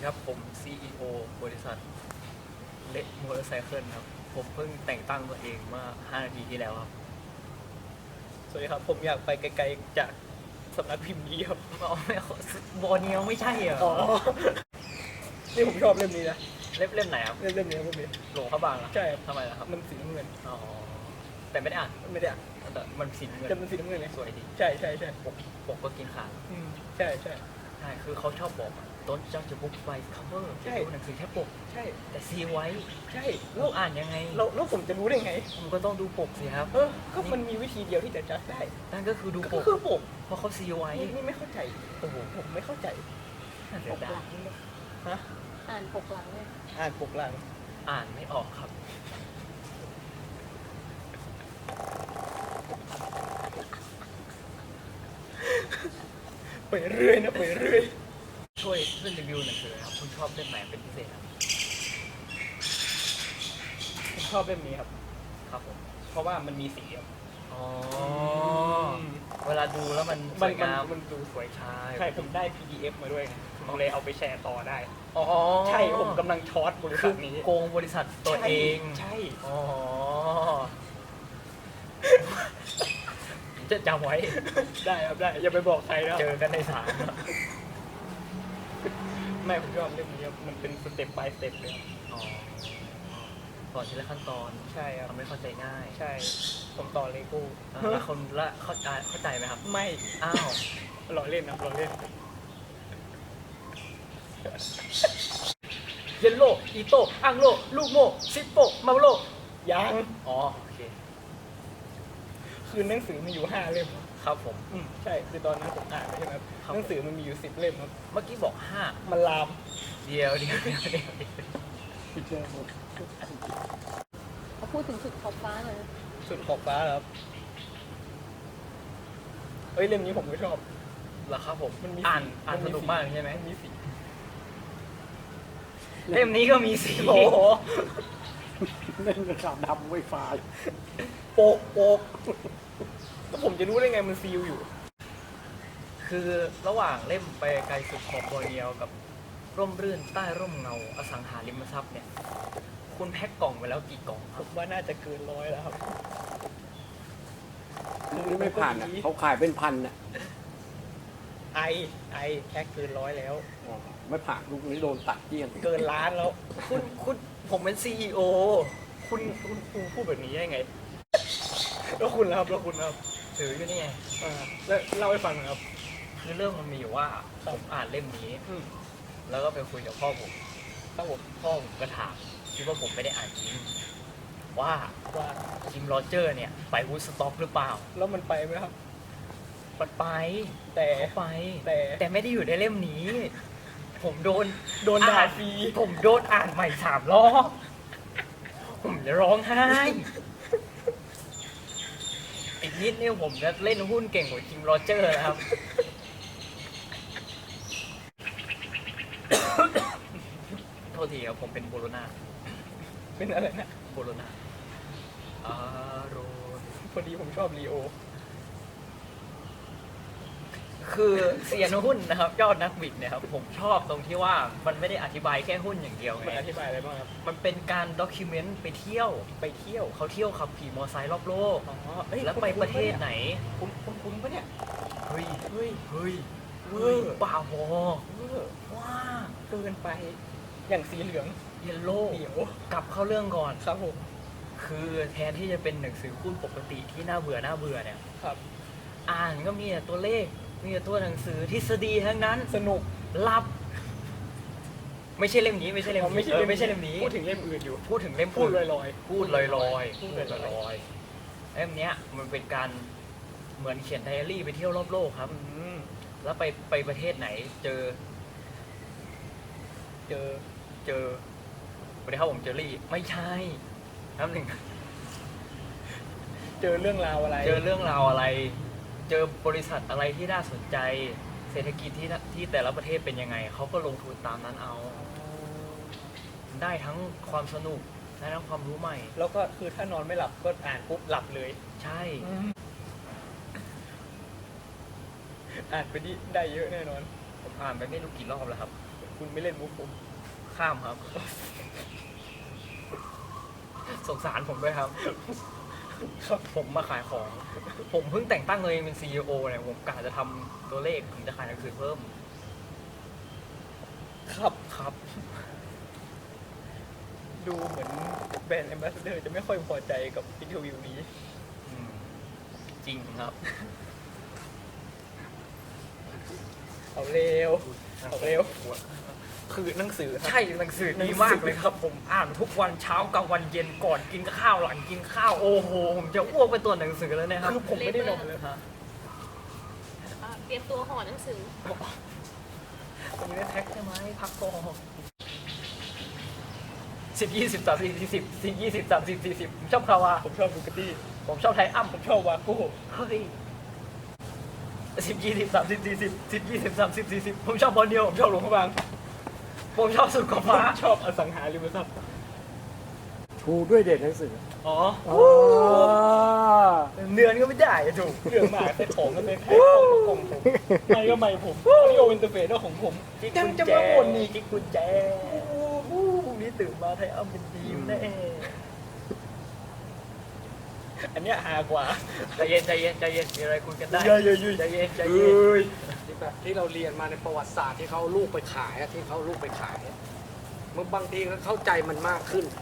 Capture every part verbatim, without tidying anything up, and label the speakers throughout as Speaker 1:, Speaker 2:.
Speaker 1: ครับผม ซี อี โอ บริษัทเล็กมอเตอร์ไซเคิลครับผมเพิ่งแต่งตั้งตัวเองเมื่อห้านาทีที่แล้วครับ
Speaker 2: สวัสดีครับผมอยากไปไกลๆจากสำนักพิมพ์นี้ครับ
Speaker 1: อ๋อไม่บอเนียวไม่ใช่เหรอ
Speaker 2: อ๋อนี่ผมชอบเล่มนี้นะ
Speaker 1: เล่มเล่มไหนครับ
Speaker 2: เล่มเล่มนี้ครับเล่มนี้
Speaker 1: หลวงพระบางเหรอ
Speaker 2: ใช่ครับ
Speaker 1: ทำไมล่ะครับ
Speaker 2: มันสีน้ำเงิน
Speaker 1: อ๋อแต่ไม่ได้อ่าน
Speaker 2: ไม่ได้อ่ะ
Speaker 1: แต่มันสีน้ำเงิน
Speaker 2: แต่มันสีน้ำเงินไง
Speaker 1: สวยดี
Speaker 2: ใช่ใช่ใช่
Speaker 1: ปกปกก็กินขาด
Speaker 2: อืมใช่ใช่
Speaker 1: ใช่คือเขาชอบบอกต้นจังจะบุ๊กไฟคัฟเวอร์
Speaker 2: ใช่
Speaker 1: จะดูหนังสือแค่ปก
Speaker 2: ใช่
Speaker 1: แต่ซีไว้
Speaker 2: ใช่
Speaker 1: แล้
Speaker 2: แล้ว ว
Speaker 1: อ่านยังไง
Speaker 2: เราแล้วผมจะรู้ได้ไง
Speaker 1: ผมก็ต้องดูปกสิครับ
Speaker 2: เออก็มันมีวิธีเดียวที่จะจัดได้
Speaker 1: นั่นก็คือดูป
Speaker 2: ก็
Speaker 1: ก
Speaker 2: คือปก
Speaker 1: เพราะเขาซีไว้
Speaker 2: นี่นี่ไม่เข้าใจโอ้โหผมไม่เข้าใจ
Speaker 1: น่า
Speaker 3: ป
Speaker 1: เสีย
Speaker 3: ก
Speaker 1: ดา
Speaker 3: หลั
Speaker 1: ย
Speaker 3: งเนี่ย
Speaker 2: ฮะ
Speaker 3: อ่านปกหลังเนี่ย
Speaker 2: อ่านปกหลัง
Speaker 1: อ่านไม่ออกครับ
Speaker 2: ไปเรื่อยนะไปเรื่อย
Speaker 1: ช่วยช่วยรีวิวหนังสือครับคุณชอบเล่มไหนเป็นพิเศษครับ
Speaker 2: ผมชอบเล่มนี้ครับ
Speaker 1: ครับผม
Speaker 2: เพราะว่ามันมีสีครับ
Speaker 1: อ๋อเวลาดูแล้วมันส
Speaker 2: มัน
Speaker 1: วย
Speaker 2: มัน
Speaker 1: งาม
Speaker 2: มันดูสวย
Speaker 1: ใช่
Speaker 2: ใช่ผมได้ พี ดี เอฟ มาด้วยไงผมเลยเอาไปแชร์ต่อได้
Speaker 1: อ๋อ
Speaker 2: ใช่ผมกำลังช็อตบริ
Speaker 1: คื
Speaker 2: ษั
Speaker 1: อ
Speaker 2: ทนี้
Speaker 1: โกงบริษัทตัวเอง
Speaker 2: ใช่
Speaker 1: อ๋อจะจำไว้
Speaker 2: ใช่ได้ครับได้อย่าไปบอกใครนะ
Speaker 1: เจอกันในศาล
Speaker 2: ไม่ผมชอบเรื่องนี้ครับมันเป็นสเต็ป by สเต็ปเลยครับ
Speaker 1: อ๋อสอนทีละขั้นตอน
Speaker 2: ใช่ครับ
Speaker 1: ทำให้เข้าใจง่าย
Speaker 2: ใช่ผมต่อเลโก้
Speaker 1: อ่าแล้วคนละเข้าใจเข้าใจไหมครับ
Speaker 2: ไม่
Speaker 1: อ้าว
Speaker 2: หล่อเล่นนะหล่อเล่น
Speaker 1: เยลโลอีโตอังโลลูกโมซิปโปมาโล
Speaker 2: ยัง
Speaker 1: อ๋อโอเค
Speaker 2: คือหนังสือมีอยู่ห้าเล่ม
Speaker 1: ครับผม
Speaker 2: อืมใช่คือตอนนั้นผมอ่านไปใช่ไหมครับ
Speaker 1: ครับ
Speaker 2: หนังสือมันมีอยู่สิบเล่มครับ
Speaker 1: เมื่อกี้บอกห้า
Speaker 2: มันลาม
Speaker 1: เดียวเดียวเดียวเดียวเดียว
Speaker 2: ไปเจอหมด
Speaker 3: เขาพูดถึงสุดขอบฟ้าหน่อยนะ
Speaker 2: สุดขอบฟ้าแล้วครับเอ้ยเล่มนี้ผมก็ชอบ
Speaker 1: เหรอครับผม
Speaker 2: มันมี
Speaker 1: อ่าน
Speaker 2: สี
Speaker 1: อ่านสนุกมากใช่ไหม
Speaker 2: นมีสี
Speaker 1: เล่มนี้ก็มีสี
Speaker 2: โอ้โห
Speaker 4: เล่นกับขาวดำไวไฟ
Speaker 2: โปกโปกแล้วผมจะรู้ได้ไงมันซีลอยู่
Speaker 1: คือระหว่างเล่มไปไกลสุดขอบบอร์เนียวกับร่มรื่นใต้ร่มเงาอสังหาริมทรัพย์เนี่ย คุณแพ็คกล่องไปแล้วกี่กล่องค
Speaker 2: ผ
Speaker 1: รับ
Speaker 2: มว่าน่าจะเกินร้อยแล้วครับ
Speaker 4: นี่ไม่ผ่านอ่ะเขาขายเป็นพันอ่ะ
Speaker 2: ไอไอแค่เกินร้อยแล้ว
Speaker 4: อ๋อไม่ผ่านลูกนี้โดนตัดเกลี้ยง
Speaker 2: เกินล้านแล้ว
Speaker 1: คุณคุณผมเป็นซีอีโอ
Speaker 2: คุณคุณคุณพูดแบบนี้ได้ไง แล้วคุณล่ะครับแล้วคุณล่ะครับ
Speaker 1: ถืออยู่นี่ไง
Speaker 2: อ่าแล้วเล่าให้ฟังหน่อยครับ
Speaker 1: คือเรื่องมันมีอยู่ว่าผมอ่านเล่มนี้
Speaker 2: อืม
Speaker 1: แล้วก็ไปคุยกับพ่อผม
Speaker 2: ครับผม
Speaker 1: พ่อผมก็ถามคิดว่าผมไม่ได้อ่านจริงว่า
Speaker 2: ว่า
Speaker 1: จิมโรเจอร์เนี่ยไปวูดสต็อกหรือเปล่า
Speaker 2: แล้วมันไปไหมครับ
Speaker 1: มันไป
Speaker 2: แต่
Speaker 1: เขาไป
Speaker 2: แต่
Speaker 1: แต่ไม่ได้อยู่ในเล่มนี้ ผมโดน
Speaker 2: โดนด่า
Speaker 1: อ่
Speaker 2: ฟรี
Speaker 1: ผมโดนอ่านใหม่สามรอบ ผมจะร้องไห้ อีกนิดนี่ผมจะเล่นหุ้นเก่งกว่าจิมโรเจอร์นะครับ โทษทีครับผมเป็นโบโลนา
Speaker 2: เป็นอะไรนะ
Speaker 1: โบโลนาอารอน
Speaker 2: พอดีผมชอบลีโอ
Speaker 1: คือเซียนหุ้นนะครับ ยอดนักบิดเนี่ยครับ ผมชอบตรงที่ว่ามันไม่ได้อธิบายแค่หุ้นอย่างเดียว
Speaker 2: มัน
Speaker 1: ไง
Speaker 2: อธิบายอะไรบ้างครับ
Speaker 1: มันเป็นการด็อกิเมนต์ไปเที่ยว
Speaker 2: ไปเที่ยว
Speaker 1: เขาเที่ยวขับขี่มอเตอร์ไซค์รอบโลก
Speaker 2: อ๋อเอ้ย
Speaker 1: แล้วไปประเทศไหน
Speaker 2: คุณคุณคุณปะเนี่ย
Speaker 1: เฮ้ย
Speaker 2: เฮ้ย
Speaker 1: เฮ้ย
Speaker 2: เว
Speaker 1: เฮ้
Speaker 2: อย ร์
Speaker 1: บ้าบอ
Speaker 2: เออ
Speaker 1: ว้า
Speaker 2: เกินไป อย่างสีเหลือง
Speaker 1: เยลโล่
Speaker 2: เดี๋ยว
Speaker 1: กลับเข้าเรื่องก่อน
Speaker 2: ครับผม
Speaker 1: คือแทนที่จะเป็นหนังสือหุ้นปกติที่น่าเบื่อน่าเบื่อเนี่ย
Speaker 2: ครับ
Speaker 1: อ่านก็มีแต่ตัวเลข มีแต่ตัวหนังสือทฤษฎีทั้งนั้น
Speaker 2: สนุก
Speaker 1: ลับ ไม่ใช่เล่มนี้ไม่ใช่เล่ม
Speaker 2: อ๋อ
Speaker 1: นี้
Speaker 2: ไม่ใช่
Speaker 1: เออ
Speaker 2: เล่ม
Speaker 1: ไม่ใช่เล่มนี้
Speaker 2: พูดถึงเล่มอื่นอยู่
Speaker 1: พูดถึงเล่ม
Speaker 2: พูดล
Speaker 1: อื่
Speaker 2: อน ยลอย
Speaker 1: พูดลอยลอย
Speaker 2: พูดลอยๆ
Speaker 1: เล่มเนี้ยมันเป็นการเหมือนเขียนไดอารี่ไปเที่ยวรอบโลกครับ
Speaker 2: อืม
Speaker 1: แล้วไปไปประเทศไหน เจอ
Speaker 2: เจอ
Speaker 1: เจอสวัสดีครับผมเจอรี่ ไม่ใช่น้ำหนึ่ง
Speaker 2: เจอเรื่องราวอะไร
Speaker 1: เจอเรื่องราวอะไร เจอบริษัทอะไรที่น่าสนใจ เศรษฐกิจที่น่ะที่แต่ละประเทศเป็นยังไง เขาก็ลงทุนตามนั้นเอา ได้ทั้งความสนุก ได้ทั้งความรู้ใหม่
Speaker 2: แล้วก็คือถ้านอนไม่หลับก็อ่านปุ๊บหลับเลย
Speaker 1: ใช่
Speaker 2: อ่านไปดิได้เยอะแน่นอน
Speaker 1: ผมอ่านไปไม่รู้กี่รอบแล้วครับ
Speaker 2: คุณไม่เล่นมุกผม
Speaker 1: ข้ามครับ สงสารผมด้วยครับ
Speaker 2: ครับ
Speaker 1: ผมมาขายของ ผมเพิ่งแต่งตั้งตัวเองเป็นซีอีโอเนี่ยผมกะจะทำตัวเลขผมจะขายหนังสือเพิ่ม
Speaker 2: ครับ
Speaker 1: ครับ
Speaker 2: ดูเหมือนแบรนด์แอมบาสเดอร์จะไม่ค่อยพอใจกับอินเทอร์วิวนี้
Speaker 1: อืมจริงครับ
Speaker 2: เอาเร็ว เอาเร็ว คือหนังสือครับ
Speaker 1: ใช่หนังสือดีมากเลยครับ ผมอ่านทุกวันเช้ากลางวันเย็นก่อนกินข้าวหลังกินข้าวโอ้โหผมจะอ้วกไปตัวหนังสือแล้วนะครับ
Speaker 2: คือผมไม่ได้นอนเลย
Speaker 1: ฮะ
Speaker 3: อ่ะเตรียมตัวห่อหนังสือ
Speaker 1: ผมไม่ได้แท็กใช่ไหมพักก่อนสิบยี่สิบสามสิบสี่สิบสิบยี่สิบสามสิบสี่สิบผมชอบคาวา
Speaker 2: ผมชอบบูกตี้
Speaker 1: ผมชอบไทอัม
Speaker 2: ผมชอบวาโก้
Speaker 1: เฮ้ยสิบยี่สิบสามสิบสี่สิบสิบยี่สิบสามสิบสี่สิบผมชอบบอลเดียว
Speaker 2: ผมชอบหลวงพระบาง
Speaker 1: ผมชอบสุดขอบฟ้า
Speaker 2: ผมชอบอสังหาริมทรัพย์
Speaker 4: ชูด้วยเด็ดหนังสือ
Speaker 1: อ๋อ
Speaker 4: อ๋อ
Speaker 1: เนือนก็ไม่ได้อะถูก
Speaker 2: เรื่องหมาใส่ของกันเลยแพ้ของของผมไม่ก็ไม่ผมออดิโออินเตอร์เฟซก็ของผม
Speaker 1: กิ๊ก
Speaker 2: ยัง
Speaker 1: กุญ
Speaker 2: จะ
Speaker 1: แจ
Speaker 2: มาบ่นอีก
Speaker 1: กิ๊กกุญแจพรุ่งนี้ตื่นมาไทอัมเป็นทีมแน่
Speaker 2: อันเนี้ยฮากว่า
Speaker 1: ใจเย็นใจเย็นใจเย็นมีอะไรคุยกันได้
Speaker 2: เยอะเยอะเยอะ
Speaker 1: ใจเย็นใจ
Speaker 4: เอ
Speaker 1: เย็น้
Speaker 4: ยที่แบบที่เราเรียนมาในประวัติศาสตร์ที่เขาเอาลูกไปขายอะที่เขาเอาลูกไปขายอะมันบางทีก็เข้าใจมันมากขึ้น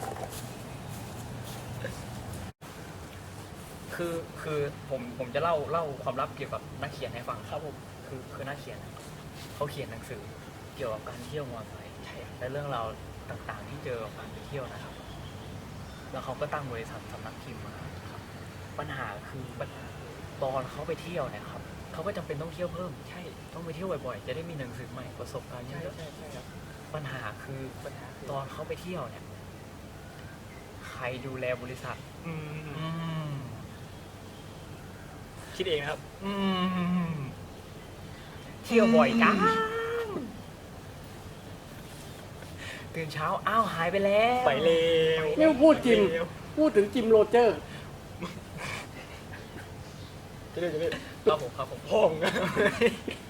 Speaker 1: คือคือผมผมจะเล่าเล่าความลับเกี่ยวกับนักเขียนให้ฟัง
Speaker 2: ครับผม
Speaker 1: คือคือนักเขียนอะเขาเขียนหนังสือเกี่ยวกับการเที่ยวมอไซค์ใช่และเรื่องราวต่างๆ ที่เจอกับการไปเที่ยวนะครับ แล้วเขาก็ตั้งบริษัทสำนักพิมพ์มาครับปัญหาคือปัญหาตอนเขาไปเที่ยวเนี่ยครับเขาก็จำเป็นต้องเที่ยวเพิ่มใช่ต้องไปเที่ยวบ่อยๆจะได้มีหนังสือใหม่ประสบการณ์เย
Speaker 2: ใช่
Speaker 1: อะ
Speaker 2: ใช่ใช่ครับ
Speaker 1: ๆปัญหาคือ
Speaker 2: ปัญหาคือ
Speaker 1: ตอนเขาไปเที่ยวเนี่ย ใครดูแลบริษัท
Speaker 2: อืม
Speaker 1: อืม
Speaker 2: คิดเองนะครับ
Speaker 1: อืมเที่ยวบ่อยจังตื่นเช้าอ้าวหายไปแล้ว
Speaker 2: ไปเร็ว
Speaker 4: นี่พูดจิม พูดถึงจิมโรเจอร์
Speaker 2: จะเรียกจะเรียก
Speaker 1: ครับผมครับผม
Speaker 2: พ่อง